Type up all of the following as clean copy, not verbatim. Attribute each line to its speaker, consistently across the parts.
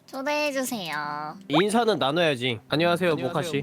Speaker 1: 초대해주세요.
Speaker 2: 인사는 나눠야지. 안녕하세요, 모카씨.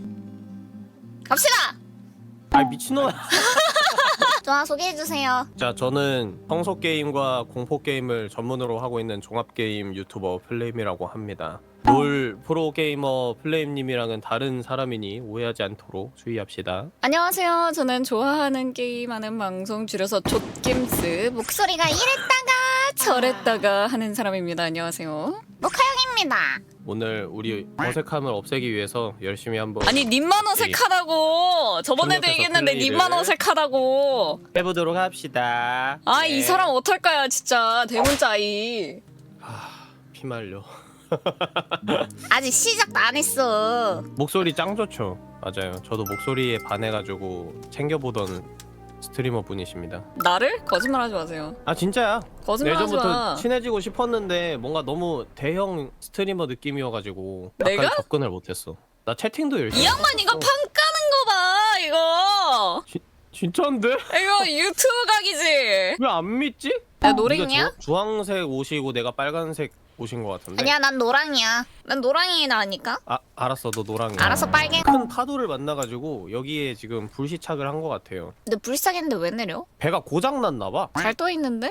Speaker 1: 갑시다!
Speaker 2: 아 미친놈아.
Speaker 1: 좋아, 소개해주세요.
Speaker 2: 자, 저는 청소 게임과 공포 게임을 전문으로 하고 있는 종합 게임 유튜버 플레임이라고 합니다. 롤 프로 게이머 플레임님이랑은 다른 사람이니 오해하지 않도록 주의합시다.
Speaker 3: 안녕하세요. 저는 좋아하는 게임하는 방송 줄여서 족김스
Speaker 1: 목소리가 이랬다가
Speaker 3: 저랬다가 하는 사람입니다. 안녕하세요.
Speaker 1: 모카형입니다.
Speaker 2: 오늘 우리 어색함을 없애기 위해서 열심히 한번
Speaker 3: 아니 님만 어색하다고. 저번에도
Speaker 2: 협력해서
Speaker 3: 얘기했는데
Speaker 2: 플레이를
Speaker 3: 님만 어색하다고.
Speaker 2: 해보도록 합시다.
Speaker 3: 아,
Speaker 2: 네.
Speaker 3: 이 사람 어떨까요 진짜. 대문자이.
Speaker 2: 피말려.
Speaker 1: 아직 시작도 안 했어.
Speaker 2: 목소리 짱 좋죠. 맞아요. 저도 목소리에 반해가지고 챙겨보던 스트리머 분이십니다.
Speaker 3: 나를? 거짓말하지 마세요.
Speaker 2: 아 진짜야.
Speaker 3: 거짓말하지
Speaker 2: 예전부터
Speaker 3: 마.
Speaker 2: 친해지고 싶었는데 뭔가 너무 대형 스트리머 느낌이어가지고 약간
Speaker 3: 내가?
Speaker 2: 접근을 못했어. 나 채팅도 열심히
Speaker 3: 이 양반 이거 판 까는 거 봐. 이거.
Speaker 2: 진짜인데?
Speaker 3: 이거 유튜브 각이지.
Speaker 2: 왜 안 믿지?
Speaker 3: 야 노랭이야?
Speaker 2: 네가 주황색 옷이고 내가 빨간색 옷인 것 같은데?
Speaker 1: 아니야, 난 노랑이야. 난 노랑이 나니까.
Speaker 2: 아 알았어, 너 노랑이야.
Speaker 1: 알아서 빨개.
Speaker 2: 큰 파도를 만나가지고 여기에 지금 불시착을 한 것 같아요.
Speaker 1: 근데 불쌍했는데 왜 내려?
Speaker 2: 배가 고장났나봐.
Speaker 3: 잘 떠 있는데?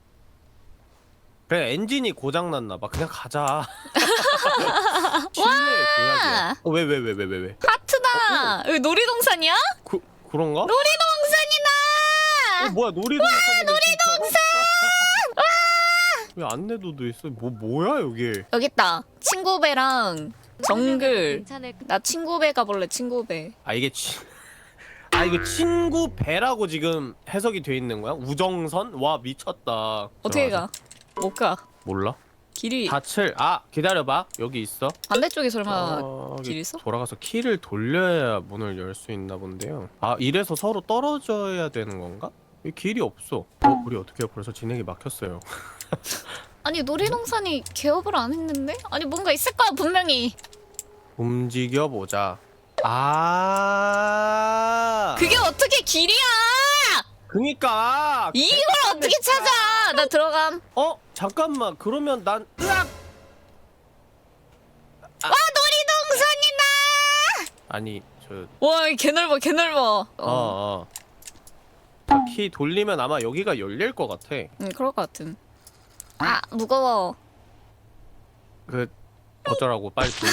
Speaker 2: 그래, 엔진이 고장났나봐. 그냥 가자. 실내에 둬야지. 왜?
Speaker 3: 하트다. 여기 놀이동산이야?
Speaker 2: 그런가?
Speaker 1: 놀이동산이다!
Speaker 2: 뭐야, 놀이동산. 왜 안내도도 있어? 뭐야 여기?
Speaker 3: 여기 있다. 친구배랑 정글. 나 친구배 가볼래. 친구배.
Speaker 2: 아 이게 이거 친구 배라고 지금 해석이 돼 있는 거야? 우정선? 와 미쳤다.
Speaker 3: 어떻게
Speaker 2: 들어가자.
Speaker 3: 가? 못 가.
Speaker 2: 몰라?
Speaker 3: 길이
Speaker 2: 기다려봐. 여기 있어.
Speaker 3: 반대쪽에 설마
Speaker 2: 저기
Speaker 3: 길 있어?
Speaker 2: 돌아가서 키를 돌려야 문을 열 수 있나 본데요. 아 이래서 서로 떨어져야 되는 건가? 이 길이 없어. 우리 어떻게 벌써 진행이 막혔어요.
Speaker 3: 아니 놀이동산이 개업을 안 했는데? 아니 뭔가 있을 거야 분명히.
Speaker 2: 움직여 보자. 아.
Speaker 3: 그게 어떻게 길이야?
Speaker 2: 그니까.
Speaker 3: 이걸 어떻게 찾아? 나 들어감.
Speaker 2: 잠깐만. 그러면 난 으악.
Speaker 1: 와, 놀이동산이다!
Speaker 2: 아니 저.
Speaker 3: 와, 개 넓어, 개 넓어.
Speaker 2: 키 돌리면 아마 여기가 열릴 것 같아.
Speaker 3: 그럴 것 같은.
Speaker 1: 아, 무거워.
Speaker 2: 어쩌라고 빨리 돌려.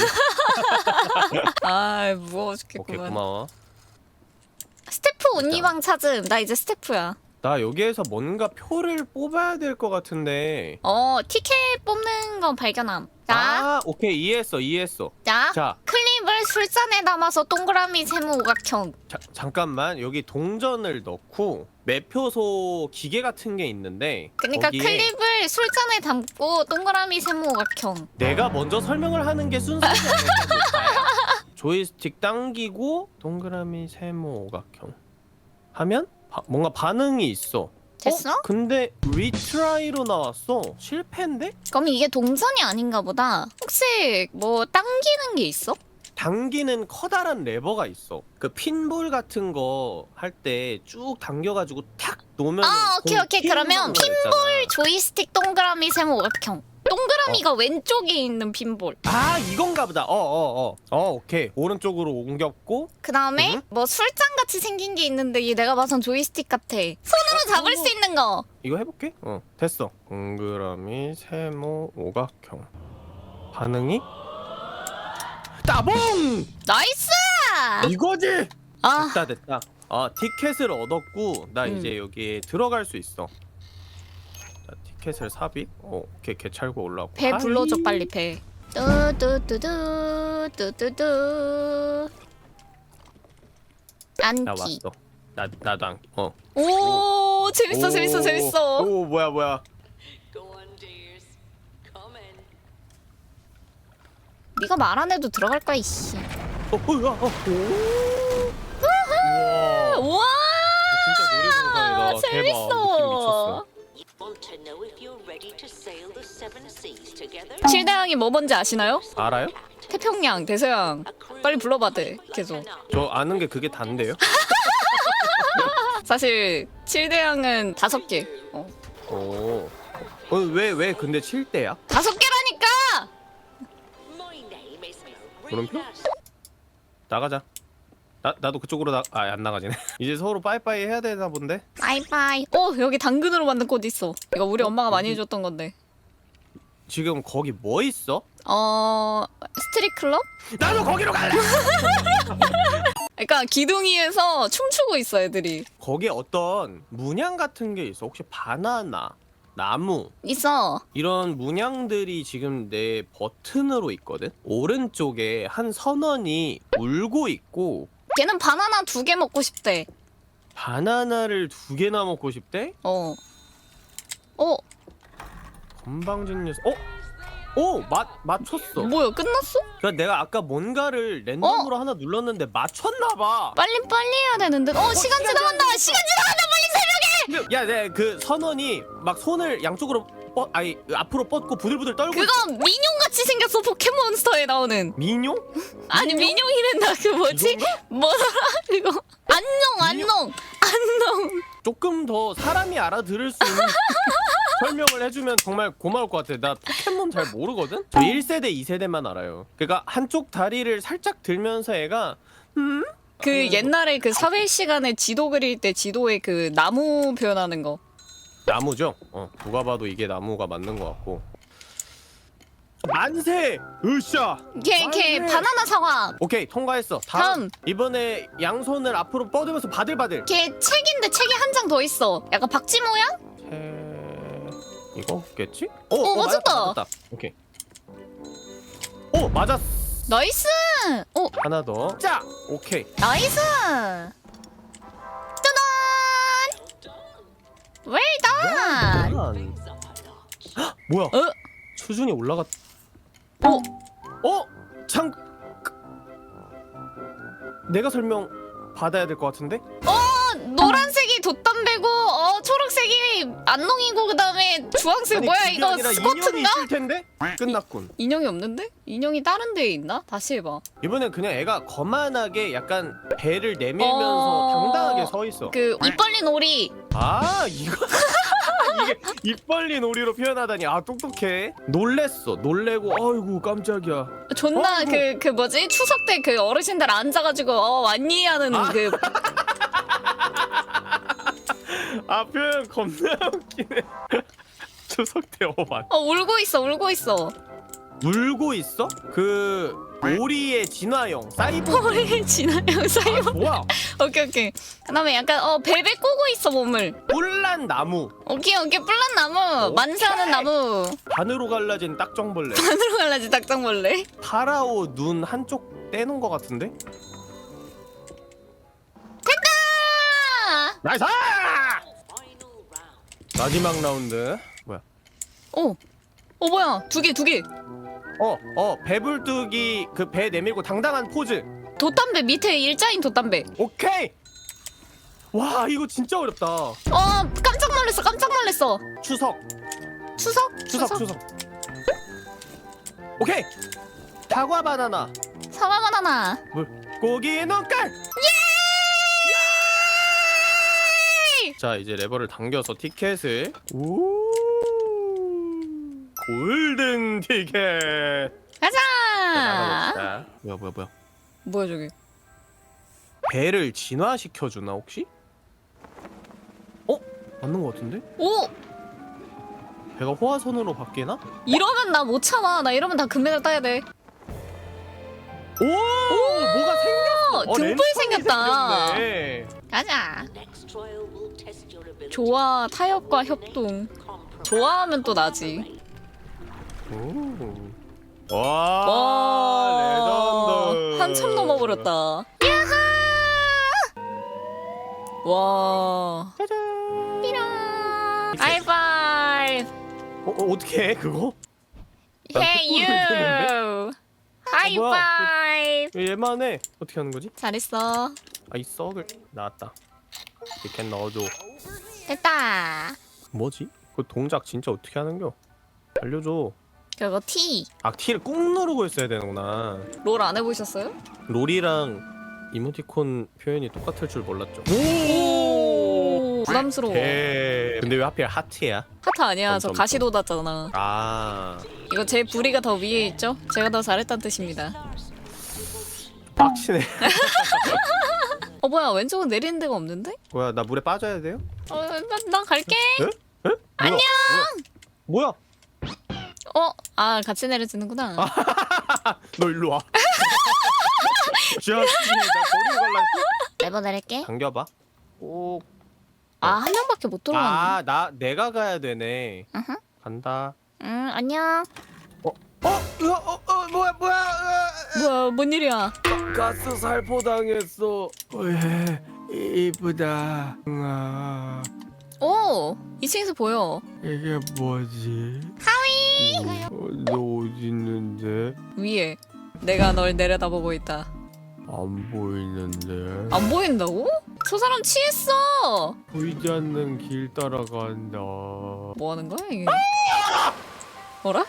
Speaker 3: 아, 무거워
Speaker 2: 오케이
Speaker 3: 죽겠구만.
Speaker 2: 고마워.
Speaker 1: 스태프 온니방 찾음.
Speaker 3: 나 이제 스태프야.
Speaker 2: 나 여기에서 뭔가 표를 뽑아야 될 것 같은데.
Speaker 1: 티켓 뽑는 건 발견함. 자,
Speaker 2: 아 오케이 이해했어. 자
Speaker 1: 클립을 술잔에 담아서 동그라미 세모 오각형.
Speaker 2: 잠깐만 여기 동전을 넣고 매표소 기계 같은 게 있는데.
Speaker 1: 그러니까
Speaker 2: 거기에
Speaker 1: 클립을 술잔에 담고 동그라미 세모 오각형.
Speaker 2: 내가 먼저 설명을 하는 게 순서가 아닐까. 조이스틱 당기고 동그라미 세모 오각형 하면 뭔가 반응이 있어.
Speaker 1: 됐어?
Speaker 2: 근데 리트라이로 나왔어. 실패인데?
Speaker 1: 그럼 이게 동선이 아닌가 보다. 혹시 뭐 당기는 게 있어?
Speaker 2: 당기는 커다란 레버가 있어. 그 핀볼 같은 거 할 때 쭉 당겨가지고 탁 놓으면
Speaker 1: 오케이. 그러면 핀볼 조이스틱 동그라미 세모 오각형. 동그라미가 왼쪽에 있는 핀볼.
Speaker 2: 아 이건가 보다. 오케이. 오른쪽으로 옮겼고.
Speaker 1: 그 다음에 뭐 술잔 같이 생긴 게 있는데 이게 내가 봐선 조이스틱 같아. 손으로 잡을 수 있는 거.
Speaker 2: 이거 해볼게. 됐어. 동그라미 세모 오각형. 반응이 따봉.
Speaker 1: 나이스!
Speaker 2: 이거지.
Speaker 3: 아,
Speaker 2: 됐다. 티켓을 얻었고 나 이제 여기에 들어갈 수 있어. 자, 티켓을 삽입. 오케이 개찰고 올라오고.
Speaker 3: 배 불러줘 빨리 배.
Speaker 1: 뚜뚜뚜뚜.
Speaker 2: 나
Speaker 1: 안티.
Speaker 2: 왔어. 나도 안.
Speaker 3: 오, 재밌어.
Speaker 2: 오 뭐야.
Speaker 1: 네가 말 안 해도 들어갈 거야 이씨.
Speaker 2: 우와.
Speaker 3: 우와,
Speaker 2: 진짜 놀이동산이다.
Speaker 3: 재밌어.
Speaker 2: 대박. 느낌 미쳤어.
Speaker 3: 칠대양이 뭐 뭔지 아시나요?
Speaker 2: 알아요?
Speaker 3: 태평양, 대서양. 빨리 불러봐 돼. 계속.
Speaker 2: 저 아는 게 그게 단데요?
Speaker 3: 사실 칠대양은 5개.
Speaker 2: 왜 근데 7대야?
Speaker 3: 5개라니까.
Speaker 2: 물음표? 나가자. 나도 그쪽으로 안 나가지네. 이제 서로 빠이빠이 해야 되나 본데?
Speaker 1: 바이바이.
Speaker 3: 여기 당근으로 만든 꽃 있어. 이거 우리 엄마가 많이 해줬던 건데.
Speaker 2: 지금 거기 뭐 있어?
Speaker 3: 스트릿 클럽?
Speaker 2: 나도 거기로 갈래!
Speaker 3: 그러니까 기둥이에서 춤추고 있어 애들이.
Speaker 2: 거기에 어떤 문양 같은 게 있어. 혹시 바나나, 나무
Speaker 3: 있어.
Speaker 2: 이런 문양들이 지금 내 버튼으로 있거든? 오른쪽에 한 선원이 울고 있고
Speaker 3: 걔는 바나나 2개 먹고 싶대.
Speaker 2: 바나나를 2개나 먹고 싶대? 건방진 녀석. 맞췄어.
Speaker 3: 뭐야 끝났어?
Speaker 2: 그러니까 내가 아까 뭔가를 랜덤으로 하나 눌렀는데 맞췄나봐.
Speaker 3: 빨리 해야 되는데. 시간 지나간다. 시간 지나간다. 빨리 새벽에.
Speaker 2: 야, 내 그 선원이 막 손을 양쪽으로 앞으로 뻗고 부들부들 떨고
Speaker 3: 그거 민용 같이 생겼어. 포켓몬스터에 나오는.
Speaker 2: 민용?
Speaker 3: 아니 민용이란다. 그 뭐지?
Speaker 2: 이건가?
Speaker 3: 뭐더라 그거? 안녕.
Speaker 2: 조금 더 사람이 알아들을 수 있는 설명을 해주면 정말 고마울 것 같아. 나 포켓몬 잘 모르거든? 저 1세대, 2세대만 알아요. 그러니까 한쪽 다리를 살짝 들면서 애가
Speaker 3: 그 옛날에 그 사회 시간에 지도 그릴 때 지도에 그 나무 표현하는 거.
Speaker 2: 나무죠? 누가 봐도 이게 나무가 맞는 것 같고. 만세! 으쌰!
Speaker 3: 걔 바나나 사과.
Speaker 2: 오케이, 통과했어. 다음. 이번에 양손을 앞으로 뻗으면서 바들바들.
Speaker 3: 걔 책인데 책이 한 장 더 있어. 약간 박쥐 모양?
Speaker 2: 이거겠지?
Speaker 3: 맞았다.
Speaker 2: 맞았다. 오케이. 맞았어.
Speaker 3: 나이스.
Speaker 2: 하나 더. 자, 오케이.
Speaker 3: 나이스. 짜잔. 웰던.
Speaker 2: 뭐야? 수준이 올라갔. 내가 설명 받아야 될 것 같은데?
Speaker 3: 노란색이 돛담배고 초록색이 안농이고 그다음에 주황색 뭐야
Speaker 2: 그게
Speaker 3: 이거
Speaker 2: 아니라 인형이
Speaker 3: 스쿼트인가?
Speaker 2: 있을 텐데? 끝났군.
Speaker 3: 인형이 없는데? 인형이 다른 데에 있나? 다시 해봐.
Speaker 2: 이번엔 그냥 애가 거만하게 약간 배를 내밀면서 당당하게 서 있어.
Speaker 3: 그 입 벌린 오리.
Speaker 2: 이거 이게 입 벌린 오리로 표현하다니. 똑똑해. 놀래고 아이고 깜짝이야.
Speaker 3: 존나 그 뭐지 추석 때 그 어르신들 앉아가지고 왔니 하는 그
Speaker 2: 표현 겁나 웃기네. 추석 때 맞.
Speaker 3: 울고 있어.
Speaker 2: 울고 있어? 그 오리의 진화형 사이보.
Speaker 3: 오리 진화형 사이버.
Speaker 2: 뭐야?
Speaker 3: 오케이. 그다음에 약간 베베 꼬고 있어 몸을.
Speaker 2: 뿔난 나무.
Speaker 3: 오케이 뿔난 나무. 만세하는 나무.
Speaker 2: 반으로 갈라진 딱정벌레.
Speaker 3: 하늘로 갈라지 닭장벌레.
Speaker 2: 파라오 눈 한쪽 떼는 것 같은데?
Speaker 3: 됐다.
Speaker 2: 나이스! 마지막 라운드. 뭐야?
Speaker 3: 뭐야? 두 개.
Speaker 2: 배불뚝이 그 배 내밀고 당당한 포즈.
Speaker 3: 돛담배 밑에 일자인 돛담배.
Speaker 2: 오케이. 와, 이거 진짜 어렵다.
Speaker 3: 깜짝 놀랐어.
Speaker 2: 추석.
Speaker 3: 추석.
Speaker 2: 오케이. 사과 바나나.
Speaker 3: 사과 바나나.
Speaker 2: 물고기 눈깔. 자, 이제 레버를 당겨서 티켓을. 골든 티켓.
Speaker 3: 가자.
Speaker 2: 나가봅시다. 뭐야?
Speaker 3: 뭐야 저기?
Speaker 2: 배를 진화시켜 주나 혹시? 맞는 것 같은데? 배가 호화선으로 바뀌나?
Speaker 3: 이러면 나 못 참아. 나 이러면 다 금메달 따야 돼.
Speaker 2: 뭐가 생겼어.
Speaker 3: 등불
Speaker 2: 랜턴이
Speaker 3: 생겼다.
Speaker 2: 생겼네.
Speaker 3: 가자. 좋아 타협과 협동. 좋아하면 또 나지.
Speaker 2: 와, 레전드.
Speaker 3: 한참 넘어버렸다. 야하! 와.
Speaker 2: 짜잔.
Speaker 3: 삐랑. 하이파이브.
Speaker 2: 어떻게 해 그거?
Speaker 3: Hey you. 하이파이브.
Speaker 2: 얘만 해. 어떻게 하는 거지?
Speaker 3: 잘했어.
Speaker 2: 이 썩을 나왔다. 이렇게 넣어줘.
Speaker 3: 됐다.
Speaker 2: 뭐지? 그 동작 진짜 어떻게 하는겨? 알려줘.
Speaker 3: 그거 T.
Speaker 2: T를 꾹 누르고 있어야 되는구나.
Speaker 3: 롤 안 해보셨어요?
Speaker 2: 롤이랑 이모티콘 표현이 똑같을 줄 몰랐죠.
Speaker 3: 오. 부담스러워.
Speaker 2: 근데 왜 하필 하트야?
Speaker 3: 하트 아니야. 저
Speaker 2: 점점.
Speaker 3: 가시 돋았잖아.
Speaker 2: 아,
Speaker 3: 이거 제 부리가 더 위에 있죠? 제가 더 잘했다는 뜻입니다.
Speaker 2: 빡치네.
Speaker 3: 뭐야 왼쪽은 내리는 데가 없는데?
Speaker 2: 뭐야 나 물에 빠져야 돼요?
Speaker 3: 나 갈게.
Speaker 2: 에? 안녕. 뭐야?
Speaker 3: 아 같이 내려지는구나.
Speaker 2: 너 일로 와. 자, 나 버리고 갈라.
Speaker 1: 레버 내릴게.
Speaker 2: 당겨봐. 오.
Speaker 3: 한 명밖에 못 들어가는데.
Speaker 2: 내가 가야 되네.
Speaker 1: 으흠.
Speaker 2: 간다.
Speaker 1: 안녕.
Speaker 2: 뭐야?
Speaker 3: 뭐야 뭔 일이야?
Speaker 2: 가스 살포 당했어. 왜 이쁘다.
Speaker 3: 오 2층에서 보여.
Speaker 2: 이게 뭐지? 하위. 너 어디 있는데?
Speaker 3: 위에. 내가 널 내려다보고 있다.
Speaker 2: 안 보이는데.
Speaker 3: 안 보인다고? 저 사람 취했어.
Speaker 2: 보이지 않는 길 따라간다.
Speaker 3: 뭐 하는 거야 이게? 뭐라?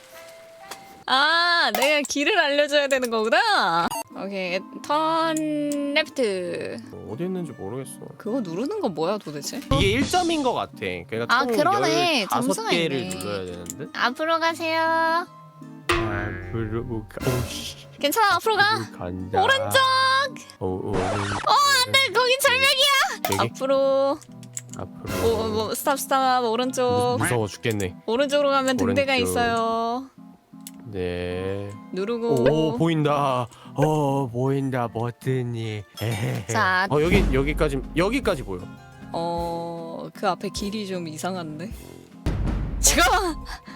Speaker 3: 내가 길을 알려줘야 되는 거구나. 오케이 턴 레프트.
Speaker 2: 어디 있는지 모르겠어.
Speaker 3: 그거 누르는 건 뭐야 도대체?
Speaker 2: 이게 1점인 것 같아. 그러니까 총
Speaker 1: 그러네.
Speaker 2: 15개를
Speaker 1: 점수가 있네.
Speaker 2: 눌러야 되는데.
Speaker 1: 앞으로 가세요.
Speaker 2: 앞으로 오씨.
Speaker 1: 괜찮아, 앞으로 가.
Speaker 2: 간다.
Speaker 1: 오른쪽.
Speaker 2: 안돼.
Speaker 1: 거기 절벽이야.
Speaker 2: 여기
Speaker 3: 앞으로.
Speaker 2: 앞으로.
Speaker 3: 스탑 오른쪽.
Speaker 2: 무서워 죽겠네.
Speaker 3: 오른쪽으로 가면 등대가
Speaker 2: 오른쪽.
Speaker 3: 있어요.
Speaker 2: 네.
Speaker 3: 누르고.
Speaker 2: 오 보인다. 보인다 버튼이.
Speaker 1: 자.
Speaker 2: 여기까지 보여.
Speaker 3: 그 앞에 길이 좀 이상한데. 잠깐만.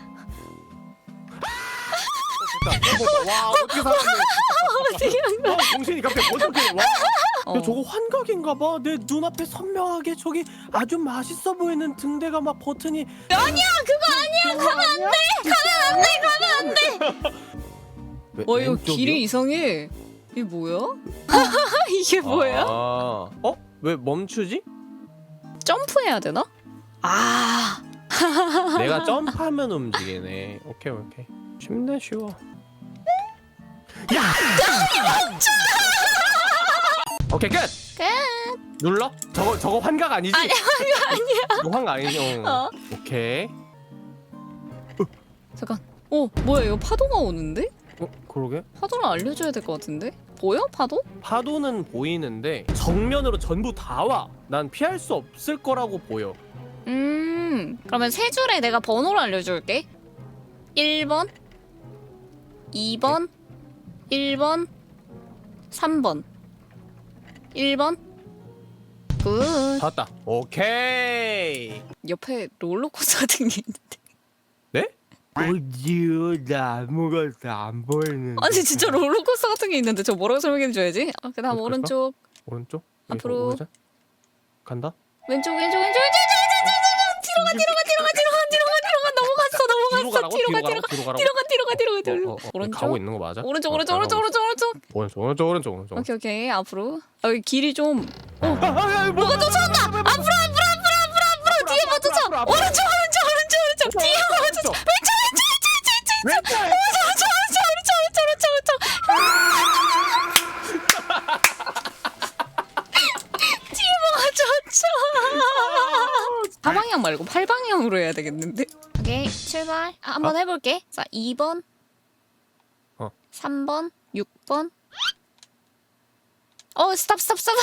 Speaker 2: 와 어떻게 살았네.
Speaker 3: 어떻게 한 거야?
Speaker 2: 정신이 갑자기 어떻게 와.
Speaker 3: 어.
Speaker 2: 야, 저거 환각인가봐. 내 눈앞에 선명하게 저기 아주 맛있어 보이는 등대가 막 버튼이.
Speaker 1: 아니야, 그거 아니야. 가면 안 돼. 가면 안 돼.
Speaker 3: 이거 길이 이상해. 이게 뭐야? 이게 뭐야?
Speaker 2: 왜 멈추지?
Speaker 3: 점프해야 되나?
Speaker 2: 내가 점프하면 움직이네. 오케이. 쉽네 쉬워. 야! 오케이 끝. 눌러? 저거 환각 아니지?
Speaker 1: 아니야, 환각 아니야.
Speaker 2: 이거 환각 아니지? 오케이.
Speaker 3: 잠깐. 뭐야 이거 파도가 오는데?
Speaker 2: 그러게.
Speaker 3: 파도를 알려줘야 될 것 같은데? 보여 파도?
Speaker 2: 파도는 보이는데 정면으로 전부 다 와. 난 피할 수 없을 거라고 보여.
Speaker 3: 그러면 세 줄에 내가 번호를 알려줄게. 1번 2번 1번 3번 1번 굿.
Speaker 2: 봤다. 오케이.
Speaker 3: 옆에 롤러코스터 같은 게 있는데.
Speaker 2: 네? 어디요? 나 아무것도 안 보이는데.
Speaker 3: 아니 진짜 롤러코스터 같은 게 있는데 저 뭐라고 설명해줘야지? 그 다음
Speaker 2: 어떡할까?
Speaker 3: 오른쪽
Speaker 2: 오른쪽?
Speaker 3: 앞으로.
Speaker 2: 오른쪽? 간다.
Speaker 3: 왼쪽 넘어갔어. 뒤로 가. 오른쪽.
Speaker 2: 가고 있는 거 맞아?
Speaker 3: 오른쪽. 오케이 앞으로. 여기 길이 좀.
Speaker 2: 뭐가
Speaker 3: 쫓아온다. 앞으로 뒤에 뭐 쫓아. 오른쪽 뒤에 뭐 쫓아. 왼쪽. 뒤에 뭐가 쫓아. 4방향 말고 8방향으로 해야 되겠는데?
Speaker 1: 오케이, 출발. 한번 해볼게. 자, 2번. 3번. 6번. 스탑.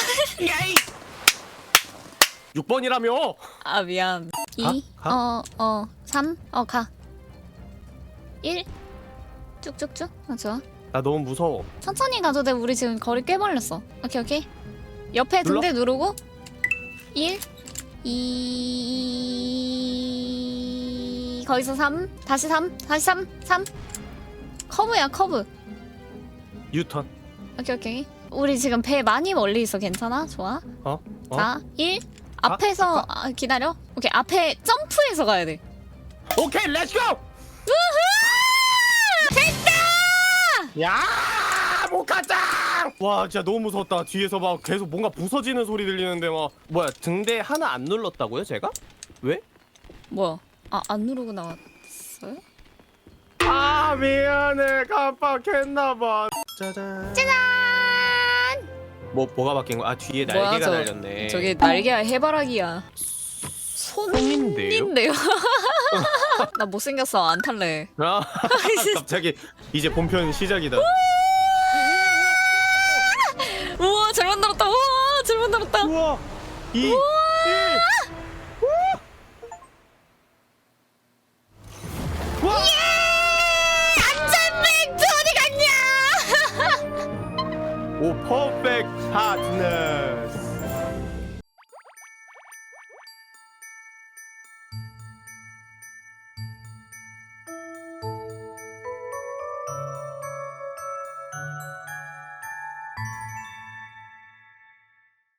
Speaker 2: 6번이라며.
Speaker 3: 미안.
Speaker 1: 2.
Speaker 2: 가?
Speaker 1: 3. 가. 1. 쭉쭉쭉. 좋아.
Speaker 2: 나 너무 무서워.
Speaker 1: 천천히 가도 돼. 우리 지금 거리 꽤 벌렸어. 오케이. 옆에
Speaker 2: 눌러?
Speaker 1: 등대 누르고 1 2 거기서 3 다시 3 커브야 커브.
Speaker 2: 유턴.
Speaker 1: 오케이. 우리 지금 배 많이 멀리 있어. 괜찮아? 좋아. 자, 1 앞에서 기다려. 오케이. 앞에 점프해서 가야 돼.
Speaker 2: 오케이, 렛츠고.
Speaker 1: 됐다!
Speaker 2: 야, 못 갔다. 와, 진짜 너무 무섭다. 뒤에서 막 계속 뭔가 부서지는 소리 들리는데 막 뭐야 등대 하나 안 눌렀다고요, 제가? 왜?
Speaker 3: 뭐야? 안 누르고 나왔어요?
Speaker 2: 미안해, 깜빡했나봐. 짜잔. 뭐가 바뀐 거야? 뒤에
Speaker 3: 뭐야,
Speaker 2: 날개가
Speaker 3: 저-
Speaker 2: 달렸네.
Speaker 3: 저게 날개야 해바라기야.
Speaker 2: 손인데요?
Speaker 3: 손인데요? 나 못생겼어. 안 탈래.
Speaker 2: 갑자기 이제 본편 시작이다.
Speaker 3: 우와 잘 만들었다. 우와 잘 만들었다.
Speaker 2: 우와 2 1 와!
Speaker 3: 안전뱅크 어디 갔냐?
Speaker 2: 오 퍼펙트 파트너스